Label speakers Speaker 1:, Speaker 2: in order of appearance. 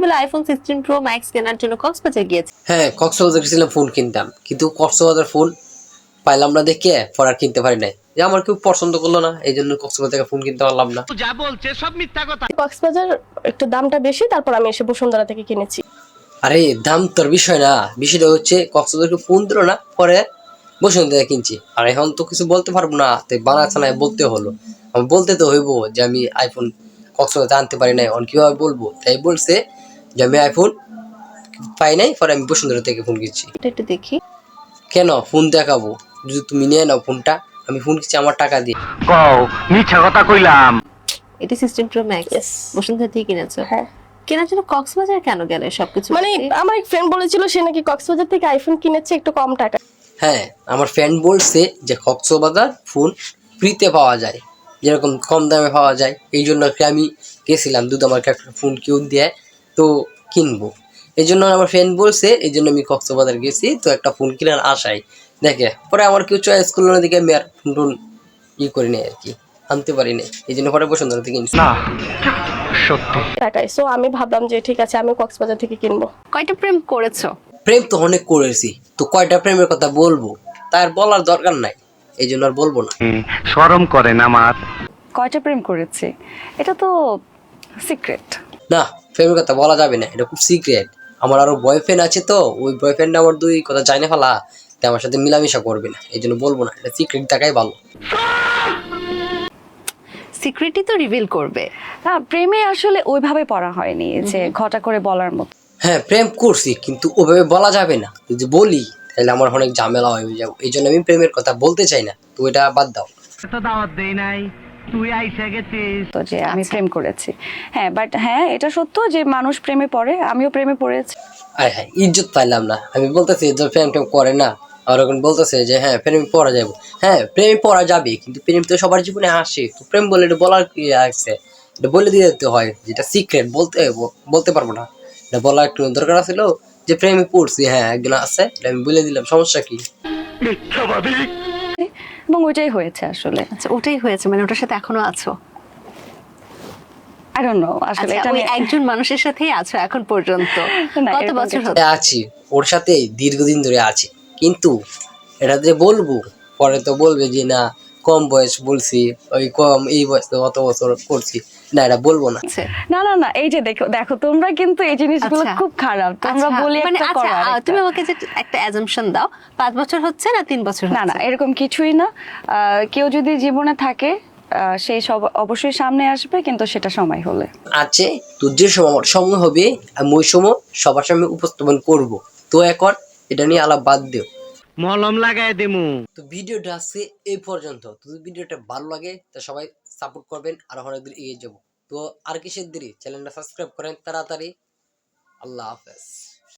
Speaker 1: বলে iPhone 16 pro max কেনার জন্য কক্সবাজার গিয়েছে।
Speaker 2: হ্যাঁ, কক্সবাজার গেছিলাম ফোন কিনতাম, কিন্তু কক্সবাজার ফোন পাইলাম না দেখে পরে আর কিনতে পারি নাই। যে আমার কেউ পছন্দ করলো না, এই জন্য কক্সবাজার থেকে ফোন কিনতে পারলাম না।
Speaker 3: যা বলছে সব মিথ্যা কথা।
Speaker 4: কক্সবাজার একটু দামটা বেশি, তারপর আমি এসে বসুন্ধরা থেকে কিনেছি।
Speaker 2: আরে দাম তোর বিষয় না, বিষয়টা হচ্ছে কক্সবাজারকে ফোন দিল না, পরে বসুন্ধরা থেকে কিনছি। আর এখন তো কিছু বলতে পারবো না, তাই বানাচ্ছে না, বলতে হলো। আমি বলতে তো হইব যে আমি আইফোন কক্সবাজার আনতে পারি নাই, অন কিভাবে বলবো? তাই বলছে যে আমি আইফোন পাই নাই, পরে আমি বসুন্ধরা থেকে ফোন কিনছি।
Speaker 1: এটা একটু দেখি।
Speaker 2: কেন ফোন দেখাবো? যদি তুমি নিয়ে নাও ফোনটা, আমি ফোন কিনছি আমার টাকা দিয়ে।
Speaker 3: কও মিথ্যা কথা কইলাম।
Speaker 1: এটা 16 প্রো ম্যাক্স
Speaker 4: Yes.
Speaker 1: বসুন্ধরা থেকে কিনেছো?
Speaker 4: হ্যাঁ,
Speaker 1: কেনার জন্য কক্সবাজার কেন গেলে সবকিছু?
Speaker 4: মানে আমার এক ফ্রেন্ড বলেছিল সে নাকি কক্সবাজার থেকে আইফোন কিনেছে একটু কম টাকা।
Speaker 2: হ্যাঁ, আমার ফ্রেন্ড বলছে যে কক্সবাজার ফোন ফ্রিতে পাওয়া যায়, যেরকম কম দামে পাওয়া যায়। এই জন্য আমি গেছিলাম, দুধ আমাকে একটা ফোন কেউ দেয় তো কিনবো। এই জন্য আমার ফ্রেন্ড বলছে, এই জন্য আমি কক্সবাজার গেছি, তো একটা ফোন কেনার আশায়। দেখে পরে আমার কেউ চয়েস করলো না, দিকে আমি আর ফোন টোন করি নাই আর কি, আনতে পারি নাই। এই জন্য পরে বসুন্ধরা থেকে কিনছি।
Speaker 3: না সত্যি।
Speaker 4: টাকায়, সো আমি ভাবলাম যে ঠিক আছে আমি কক্সবাজার থেকে কিনবো।
Speaker 1: কয়টা প্রেম করেছো?
Speaker 2: প্রেম তো অনেক করেছি, তো কয়টা প্রেমের কথা বলবো, তার বলার দরকার নাই, এই জন্য আর বলবো না।
Speaker 3: শরম করে না আমার।
Speaker 5: কয়টা প্রেম করেছে এটা তো সিক্রেট।
Speaker 2: না, প্রেমের কথা বলা যাবে না, এটা খুব সিক্রেট। আমার আরো বয়ফ্রেন্ড আছে, তো ওই বয়ফ্রেন্ড আমার দুই কথা জানে ফেলা, তাই আমার সাথে মিলামিশা করবে না, এই জন্য বলবো না, এটা সিক্রেট থাকাই ভালো।
Speaker 1: সিক্রেটই তো রিভিল করবে।
Speaker 5: না, প্রেমে আসলে ওইভাবে পড়া হয়নি যে ঘটা করে বলার মতো।
Speaker 2: হ্যাঁ, প্রেম করছি, কিন্তু ওভাবে বলা যাবে না। যদি বলি তাহলে আমার অনেক ঝামেলা হয়ে যাবে, এই জন্য আমি প্রেমের কথা বলতে চাই না, তো এটা বাদ দাও।
Speaker 3: তো দাওয়াত দেই নাই, তুই আইসা গেছিস।
Speaker 5: তো যে আমি প্রেম করেছি, হ্যাঁ, বাট হ্যাঁ এটা সত্য যে মানুষ প্রেমে পড়ে, আমিও প্রেমে পড়েছি।
Speaker 2: আয় হ্যাঁ, ইজ্জত পাইলাম না। আমি বলতেছি যে প্রেম টেম করে না, আর এখন বলতেছে যে হ্যাঁ প্রেমে পড়া যাবে। হ্যাঁ, প্রেমে পড়া যাবে, কিন্তু প্রেম তো সবার জীবনে আসে, তো প্রেম বলে এটা বলার কি আছে? এটা বলে দিয়ে দিতে হয়, যেটা সিক্রেট বলতে পারবো না। এটা বলা একটু দরকার ছিল যে প্রেমে পড়ছি, হ্যাঁ একজন আছে, এটা আমি বলে দিলাম, সমস্যা কি?
Speaker 5: এবং ওইটাই হয়েছে আসলে।
Speaker 1: আচ্ছা, ওটাই হয়েছে, মানে ওটার সাথে এখনো আছো?
Speaker 5: আই ডোন্ট নো আসলে
Speaker 1: আচ্ছা,
Speaker 5: এটা
Speaker 1: ওই
Speaker 5: নিয়ে
Speaker 1: একজন মানুষের সাথেই আছো এখন পর্যন্ত?
Speaker 5: না,
Speaker 1: কত
Speaker 5: এরকম
Speaker 1: বছর
Speaker 5: কিছু
Speaker 1: হলো?
Speaker 2: আছি ওর সাথে দীর্ঘদিন ধরে আছি, কিন্তু এটা যে বলবো, পরে তো বলবে যে না কম বয়স বলছি, ওই কম এই বয়স তো অত বছর করছি, না এটা বলবো না।
Speaker 1: আচ্ছা,
Speaker 5: না না না, এই যে দেখো দেখো তোমরা কিন্তু এই জিনিসগুলো
Speaker 1: আচ্ছা।
Speaker 5: খুব খারাপ, তোমরা
Speaker 1: আচ্ছা,
Speaker 5: বলি
Speaker 1: মানে
Speaker 5: একটা
Speaker 1: আচ্ছা,
Speaker 5: করো আরেকটা।
Speaker 1: তুমি আমাকে যে একটা অ্যাজাম্পশন দাও, 5 বছর হচ্ছে না 3 বছর
Speaker 5: না না,
Speaker 1: হচ্ছে?
Speaker 5: এরকম কিছুই না। কেউ যদি জীবনে থাকে সেই সব অবশ্যই সামনে আসবে, কিন্তু সেটা সময় হলে।
Speaker 2: আছে, তো যে সময় আমার সময় হবে আমি ওই সময় সবার সামনে উপস্থাপন করব। তো এখন এটা নিয়ে আলাপ বাদ দিও।
Speaker 3: মলম লাগাই দিমু।
Speaker 2: তো ভিডিওটা আছে এই পর্যন্ত। তো যদি ভিডিওটা ভালো লাগে তো সবাই সাপোর্ট করবেন, আর অনেক দূর এগিয়ে যাবো। তো আর কিসের দেরি, চ্যানেলটা সাবস্ক্রাইব করেন তাড়াতাড়ি। আল্লাহ হাফেজ।